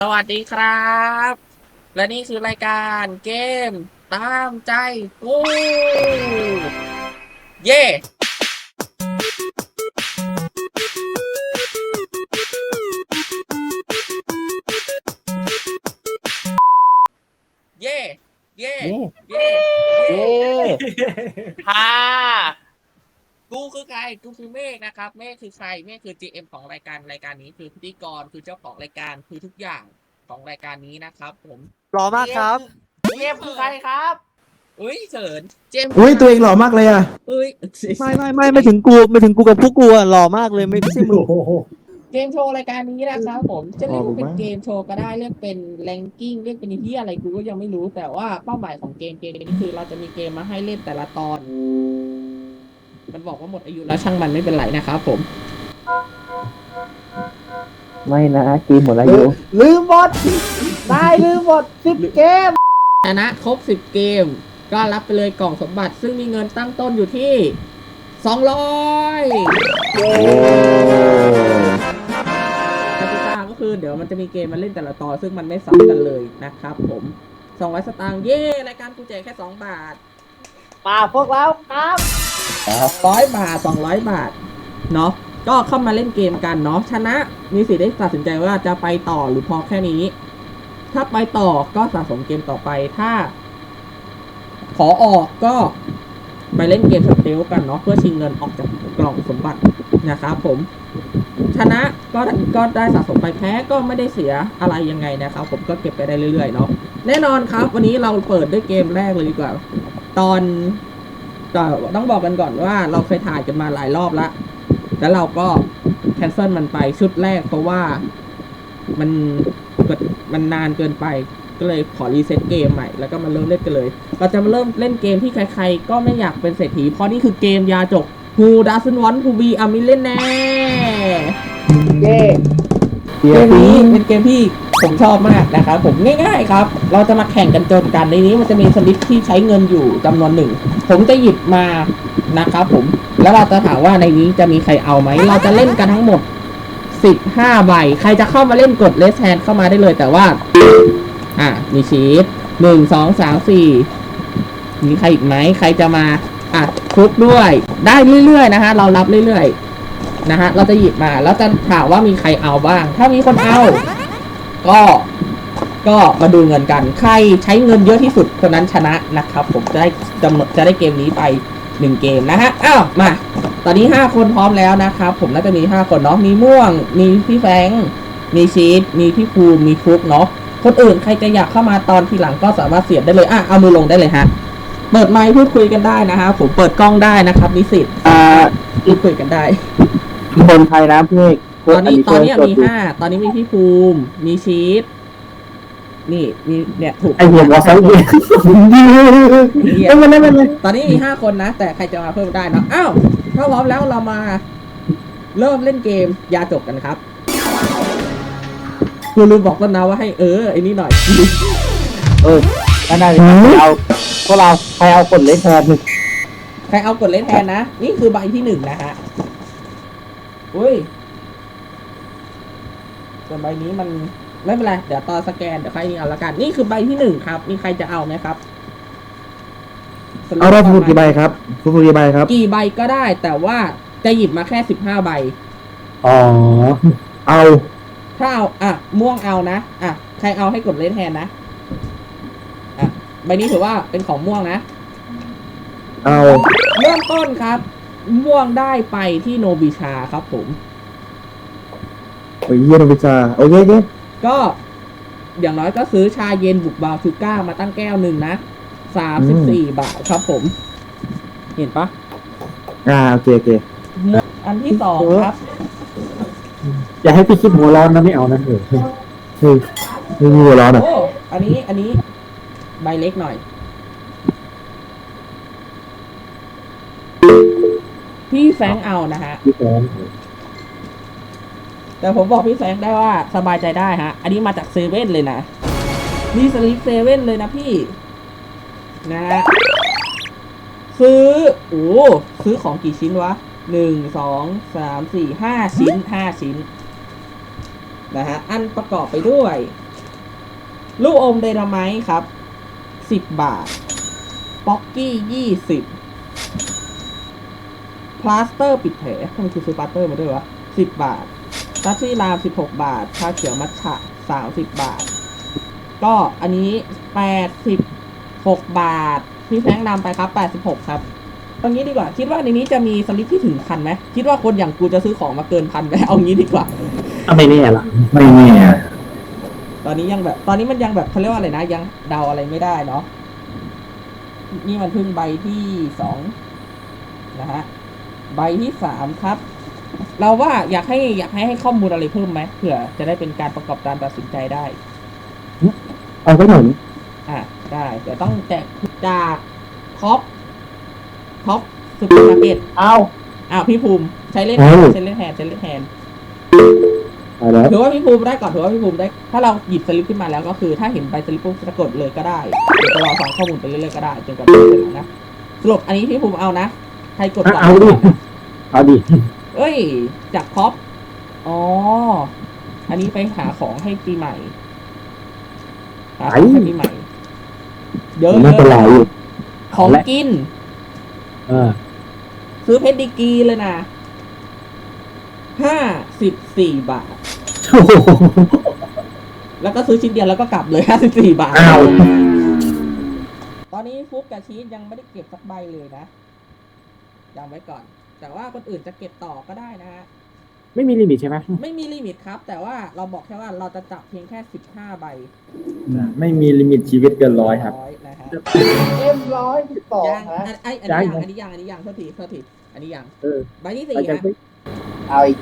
สวัสดีครับและนี่คือรายการเกมตามใจกูเย่เย่เย่เย่เย่เย่เย่ฮ่ากูคือใครกูคือเมฆนะครับเมฆคือใครเมฆคือ GM ของรายการนี้คือพิธีกรคือเจ้าของรายการคือทุกอย่างของรายการนี้นะครับผมหล่อมากครับเจมคือใครครับอุ้ยเฉินเจมคืออุ้ยใครตัวเองหล่อมากเลยอ่ะอุ้ยไม่ถึงกูไม่ถึงกูกับพวกกูอะหล่อมากเลยไม่ใช่มึงโอ้โหเกมโชว์รายการนี้นะครับผมจะเรียกว่าเป็นอ๋อผมว่าเกมโชว์ก็ได้เรียกเป็นแรงกิ้งเรียกเป็นที่อะไรกูก็ยังไม่รู้แต่ว่าเป้าหมายของเกมนี้คือเราจะมีเกมมาให้เล่นแต่ละตอนมันบอกว่าหมดอายุแล้วช่างมันไม่เป็นไรนะครับผมไม่นะเกมหมดอายุลืมหมดได้ลืมหมด10 เกมชนะครบ10เกมก็รับไปเลยกล่องสมบัติซึ่งมีเงินตั้งต้นอยู่ที่200กติกาก็คือเดี๋ยวมันจะมีเกมมาเล่นแต่ละตอนซึ่งมันไม่ซ้ำกันเลยนะครับผม200สตางค์เย่รายการกูแจกแค่2 บาทมาพวกเราครับ 100 บาท200 บาทเนาะก็เข้ามาเล่นเกมกันเนาะชนะมีสิทธิ์ได้ตัดสินใจว่าจะไปต่อหรือพอแค่นี้ ถ้าไปต่อก็สะสมเกมต่อไปถ้าขอออกก็ไปเล่นเกมสเตลกันเนาะเพื่อชิงเงินออกจากกล่องสมบัตินะครับผมชนะก็ได้สะสมไปแพ้ก็ไม่ได้เสียอะไรยังไงนะครับผมก็เก็บไปได้เรื่อยๆเนาะแน่นอนครับวันนี้เราเปิดด้วยเกมแรกเลยดีกว่า ตอนต้องบอกกันก่อนว่าเราเคยถ่ายกันมาหลายรอบแล้วเราก็แคนเซิลมันไปชุดแรกเพราะว่ามันมันนานเกินไปก็เลยขอรีเซ็ตเกมใหม่แล้วก็มาเริ่มเล่นกันเลยเราจะมาเริ่มเล่นเกมที่ใครๆก็ไม่อยากเป็นเศรษฐีเพราะนี่คือเกมยาจก Who doesn't want to be a millionaire เย่เกมนี้เป็นเกมที่ผมชอบมากนะครับผมง่ายๆครับเราจะมาแข่งกันจนกันในนี้มันจะมีสลิปที่ใช้เงินอยู่จำนวนหนึ่งผมจะหยิบมานะครับผมแล้วเราจะถามว่าในนี้จะมีใครเอาไหมเราจะเล่นกันทั้งหมด15 ใบใครจะเข้ามาเล่นกดเลสแฮนเข้ามาได้เลยแต่ว่ามีชีส1 2 3 4มีใครอีกไหมใครจะมาคุกด้วยได้เรื่อยๆนะฮะเรารับเรื่อยๆนะฮะเราจะหยิบมาแล้วจะถามว่ามีใครเอาบ้างถ้ามีคนเอาก็มาดูเงินกันใครใช้เงินเยอะที่สุดคนนั้นชนะนะครับผมจะได้เกมนี้ไป1 เกมนะฮะมาตอนนี้5 คนพร้อมแล้วนะครับผมน่าจะมี5 คนเนาะมีม่วงมีพี่แฟงมีชีสมีพี่ภูมิมีฟุกเนาะคนอื่นใครจะอยากเข้ามาตอนทีหลังก็สามารถเสียบได้เลยเอามือลงได้เลยฮะเปิดไมค์พูดคุยกันได้นะฮะผมเปิดกล้องได้นะครับนิสิตพูดคุยกันได้คนไทยนะพี่ตอนนี้มี5ตอนนี้มีพี่ภูมิมีชีสนี่มีเนี่ยถูกไอหัวเขาตอนนี้มี5 คนนะแต่ใครจะมาเพิ่มได้เนาะถ้าพร้อมแล้วเรามาเริ่มเล่นเกมยาจบกันครับกูลืมบอกต้นนะว่าให้ไอ้นี่หน่อยก็ได้เอาพวกเราใครเอากดเล่นแทนใครเอากดเล่นแทนนะนี่คือใบที่1นะฮะอุ้ยส่วนใบนี้มันไม่เป็นไรเดี๋ยวตอนสแกนเดี๋ยวใครนี่เอาละกันนี่คือใบที่1ครับมีใครจะเอาไหมครับเอาเราพูดกี่ใบครับพูดกี่ใบครับกี่ใบก็ได้แต่ว่าจะหยิบมาแค่15 ใบอ๋อเอาถ้าเอาม่วงเอานะใครเอาให้กดเล่นแทนนะใบนี้ถือว่าเป็นของม่วงนะเอาเริ่มต้นครับม่วงได้ไปที่โนบิชาครับผมโอ้ยเยี่ยมพิซซ่าโอเคก็อย่างน้อยก็ซื้อชาเย็นบุกบาวชูก้ามาตั้งแก้วหนึ่งนะ34 บาทครับผมเห็นปะโอเคอันที่2ครับอย่าให้พี่คิดหัวร้อนนะไม่เอานะไม่มีหัวร้อนอันนี้ใบเล็กหน่อยพี่แฟงเอานะฮะพี่แฟงแต่ผมบอกพี่แฟงได้ว่าสบายใจได้ฮะอันนี้มาจากเซเว่นเลยนะนี่สลิปเซเว่นเลยนะพี่นะซื้อของกี่ชิ้นวะ1 2 3 4 5 ชิ้นนะฮะอันประกอบไปด้วยชลูกอมไดนาไมต์ครับ10 บาทป๊อกกี้20พลาสเตอร์ปิดแผลทำไมคือซื้อพลาสเตอร์มาด้วยวะ10 บาททัชชี่ราม16 บาทชาเขียวมัทฉะ30 บาทก็อันนี้86 บาทพี่แฟงนำไปครับ86ครับตรงนี้ดีกว่าคิดว่าในนี้จะมีสลิปที่ถึง1,000ไหมคิดว่าคนอย่างกูจะซื้อของมาเกิน1,000ไหมเอางี้ดีกว่าเอาไม่แน่ล่ะไม่แน่ตอนนี้ยังแบบตอนนี้มันยังแบบเขาเรียกว่าอะไรนะยังเดาอะไรไม่ได้เนาะนี่มันเพิ่งใบที่2นะฮะใบที่3ครับ เราว่าอยากให้ข้อมูลอะไรเพิ่มไหมเผื่อจะได้เป็นการประกอบการตัดสินใจได้เอาไปหนุนได้แต่ต้องแจกจากท็อปซูเปอร์มาร์เก็ตเอาพี่ภูมิใช้เล่นแฮนเอาแล้วถือว่าพี่ภูมิได้ก่อนถือว่าพี่ภูมิได้ถ้าเราหยิบสลิปขึ้นมาแล้วก็คือถ้าเห็นใบสลิปปุ๊บจะกดเลยก็ได้เดี๋ยวจะรอฟังข้อมูลไปเรื่อยๆก็ได้จนกว่าจะเสร็จนะสรุปอันนี้พี่ภูมิเอานะใครกดก่อนเอาดิเอาดิเอ้ยจากท็อปอ๋ออันนี้ไปหาของให้ปีใหม่หาของให้ปีใหม่เยอะไม่เป็นไรของกิน ซื้อเพชรดีกรีเลยนะ54 บาทโอ้โหแล้วก็ซื้อชิ้นเดียวแล้วก็กลับเลย54 บาทอ้าวตอนนี้ฟุกกับชีสยังไม่ได้เก็บสักใบเลยนะยังไว้ก่อน แต่ว่าคนอื่นจะเก็บต่อก็ได้นะฮะไม่มีลิมิตใช่ไหมไม่มีลิมิตครับ แต่ว่าเราบอกแค่ว่าเราจะจับเพียงแค่15 ใบไม่มีลิมิตชีวิตเกิน100ครับนะฮะ M112 ยังนะอันนี้ยังโทษทีอันนี้ยังใบที่4นะเอาอีก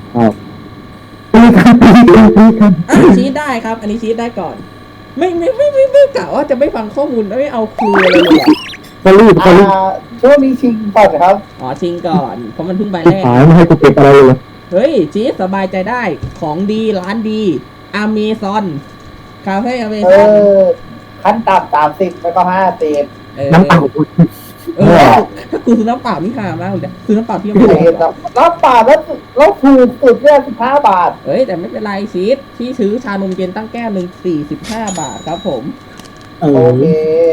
ชีสได้ครับ อันนี้ชีสได้ก่อน ไม่กะว่าจะไม่ฟังข้อมูลไม่เอาครูเลยเลยก็รีบช่วงนี้ชิงก่อนครับชิงก่อนเพราะมันเพิ่งใบแรกหายไม่ให้กูเก็บอะไรเลยเฮ้ยชีสสบายใจได้ของดีร้านดีอเมซอนคาเฟ่อเมซอนขั้นต่ำ30แล้วก็50 น้ำเปล่าถ้ากูซื้อน้ำเปล่านี่ห่ามากเลยซื้อน้ำเปล่าที่น้ำป่าแล้วถูกสุดเนี่ย15 บาทเฮ้ยแต่ไม่เป็นไรชีสที่ซื้อชานมเย็นตั้งแก้วหนึ่ง45 บาทครับผมโอเค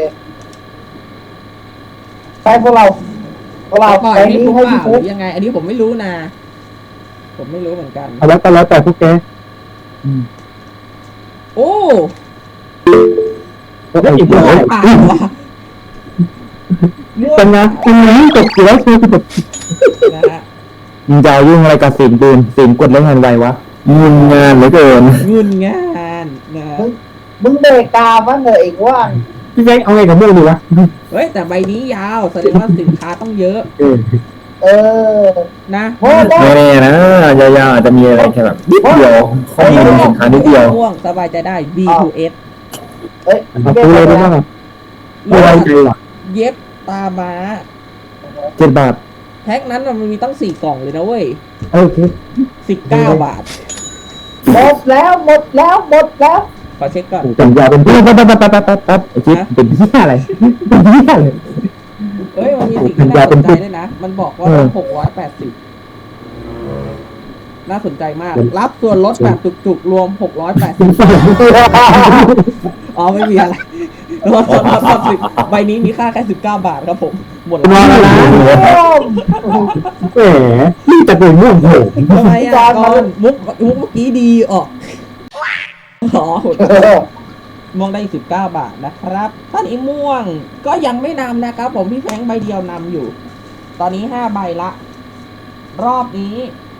ไปพวกเราปล่อยไปให้นี้พวกให้เปพี่ล่าหฟุ๊รืกอยังไง อันนี้ผมไม่รู้นะ ผมไม่รู้เหมือนกันเอาแล้วก็แล้วแต่พวกแกโอ้แล้วอีกม่เรื่วองงเปล่าว่ะม่วเป็นงไงจบแล้วคือแบบนะฮะมึงจะยุ่งอะไรกับสิ่งปืนสิ่งกดแล้วงานไววะยุ่งงานเหลือเกินงุนงานนะมึงเบรกกาบ้างเหรอเองว่าพี่แจ๊คเอาไงกับม่วงดีวะเฮ้ยแต่ใบนี้ยาวแสดงว่าสินค้าต้องเยอะเออนะโอ้ได้ไม่แน่นะยาวๆอาจจะมีอะไรแค่แบบนิดเดียวข้อมูลสินค้านิดเดียวม่วงสบายใจได้ B2S เฮ้ยเอาพูดเลยได้บ้างไม่ไว้ใจหรอเย็บตาม้า 7 บาทแพ็คนั้นมันมีต้อง4 กล่องเลยนะเว้ยโอเค 19 บาทหมดแล้วขอเช็คก่อนสัญญาเป็นพี่ปั๊บไอ้จิ๊บเป็นพี่อะไรเป็นพี่อะไรเฮ้ย มันมีสิ่งที่น่าสนใจด้วยนะ มันบอกว่า680 น่าสนใจมาก รับส่วนลดแบบจุกๆ รวม 680 อ๋อ ไม่มีอะไรลด10ใบนี้มีค่าแค่19 บาทครับผม หมดแล้วมาแล้วนะแหมนี่จะเป็นม่วงโหทำไมอ่ะก่อนมุกเมื่อกี้ดีออกอ๋อม่วงได้19 บาทนะครับท่านอีม่วงก็ยังไม่นำนะครับผมพี่แฟงใบเดียวนำอยู่ ตอนนี้5 ใบละ รอบนี้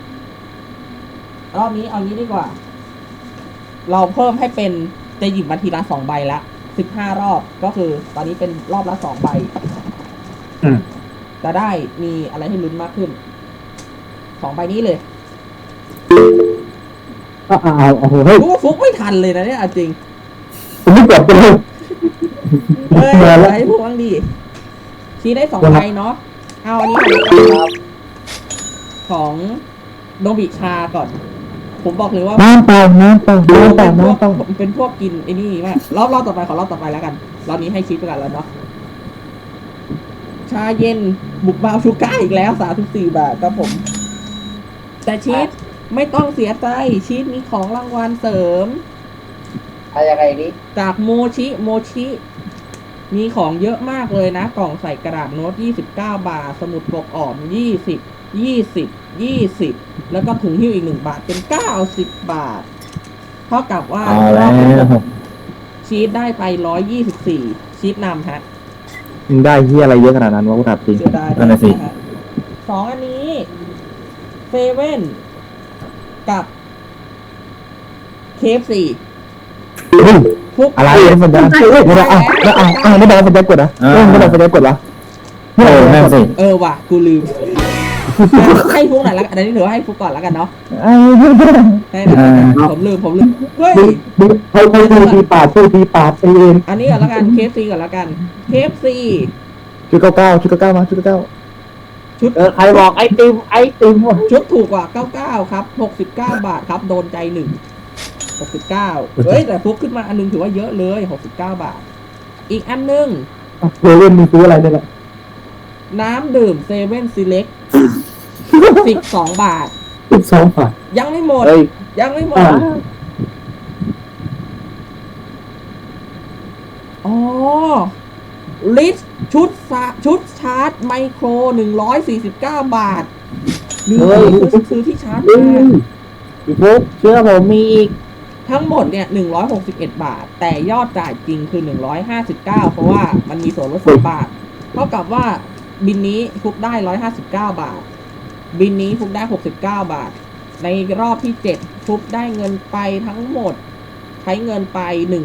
เอางี้ดีกว่า เราเพิ่มให้เป็นจะหยิบมาทีละ2 ใบละ15 รอบก็คือตอนนี้เป็นรอบละ2 ใบจะได้มีอะไรให้ลุ้นมากขึ้น2 ใบนี้เลยเอาโหเฮ้ยรู้ว่าฟุกไม่ทันเลยนะเนี่ยจริงผมไม่กดไปเลยเฮ้ยอะไรพวกบ้างดีชี้ได้2 ใบเนาะเอาอันนี้ของโนบิชาก่อน ผมบอกเลยว่าน้ำเปล่าเป็นพวกกินไอ้นี่มากรอบต่อไปขอรอบต่อไปแล้วกันรอบนี้ให้ชี้ไปกันแล้วเนาะชาเย็นบุกบาวชูก้าอีกแล้ว34 บาทครับผม แต่ชีสไม่ต้องเสียใจชีสมีของรางวัลเสริมยังไงนี้จากโมชิ มีของเยอะมากเลยนะ กล่องใส่กระดาษโน้ต29 บาท สมุดปกอ่อน20 แล้วก็ถุงหิ้วอีก1 บาทเป็น90 บาท เท่ากับว่าเอาแล้วชีสได้ไป124ชีสนำฮะมึงได้เฮียอะไรเยอะขนาดนั้นวะกูถามจริงเสียดายนั่นน่ะสิฮะสองอันนี้เซเว่นกับเคฟซีฟุกอะไรสัญญาณไม่ได้ไม่ได้สัญญาณกดนะไม่ได้สัญญาณกดละนั่นสิว่ะกูลืม ให้ฟุกหน่อยละกันอันนี้ถือว่าให้ฟุกก่อนละกันเนาะให้หน่อยผมลืมเฮ้ยเขาพูดทีปาดเองอันนี้ก่อนละกันเคฟซีก่อนละกันเคฟซีชุดเก้ามาชุดเก้าชุดใครบอกไอติมชุดถูกกว่า99ครับ69 บาทครับโดนใจ1 69เฮ้ยแต่ฟุกขึ้นมาอันนึงถือว่าเยอะเลย69 บาท อีกอันนึงเซเว่นมีซื้ออะไรเนี่ยน้ำดื่มเซเว่นซีเล็ก12 บาท 12 บาทยังไม่หมด ยังไม่หมด อ๋อ ลิสชุดชาร์จไมโคร149 บาทลืมซื้อที่ชาร์จมาพี่ฟุกเชื่อผมมีอีกทั้งหมดเนี่ย161 บาท แต่ยอดจ่ายจริงคือ159เพราะว่ามันมีส่วนลด3 บาท เท่ากับว่าบินนี้ฟุกได้159 บาท บินนี้ฟุกได้69 บาท ในรอบที่7ฟุกได้เงินไปทั้งหมด ใช้เงินไป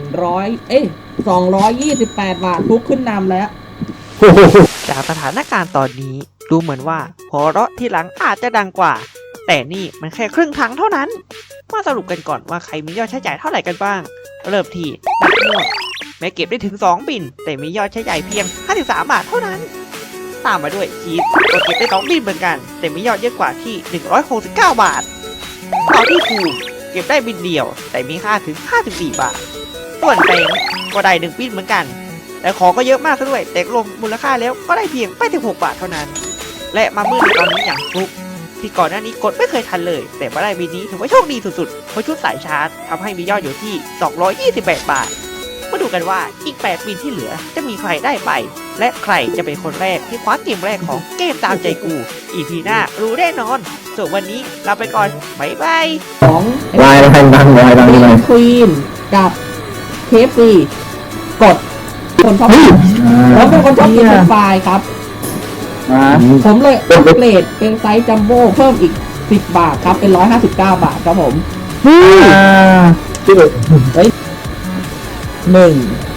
228 บาทฟุกขึ้นนำแล้วจากสถานการณ์ตอนนี้ดูเหมือนว่าหัวเราะที่หลังอาจจะดังกว่า แต่นี่มันแค่ครึ่งทางเท่านั้น มาสรุปกันก่อนว่าใครมียอดใช้จ่ายเท่าไหร่กันบ้าง เริ่มที่นักม่วงแม้เก็บได้ถึง2บินแต่มียอดใช้จ่ายเพียง53 บาทเท่านั้น ตามมาด้วยชีสก็เก็บได้2บินเหมือนกัน แต่มียอดเยอะกว่าที่169 บาทต่อที่ภูมิเก็บได้บินเดียว แต่มีค่าถึง54 บาทส่วนแตงก็ได้1บินเหมือนกันแต่ของก็เยอะมากซะด้วยแต่รวมมูลค่าแล้วก็ได้เพียงไม่ถึง6 บาทเท่านั้น และมามืดในตอนนี้อย่างฟลุกที่ก่อนหน้านี้กดไม่เคยทันเลย แต่มาได้บินนี้ถือว่าโชคดีสุดๆเพราะชุดสายชาร์จทำให้มียอดอยู่ที่228 บาทมาดูกันว่าอีก8บินที่เหลือจะมีใครได้ไป และใครจะเป็นคนแรกที่คว้าเกมแรกของเกมตามใจกู EP หน้ารู้แน่นอนส่วนวันนี้ลาไปก่อนบ๊ายบายของวายดังบินควีนกับเคฟซีกดคนชอบแล้วเป็นคนชอบกินเป็นไฟล์ครับ ผมเลยอัปเกรดเป็นไซส์จัมโบ้เพิ่มอีก10 บาทครับเป็น159 บาทครับผม 1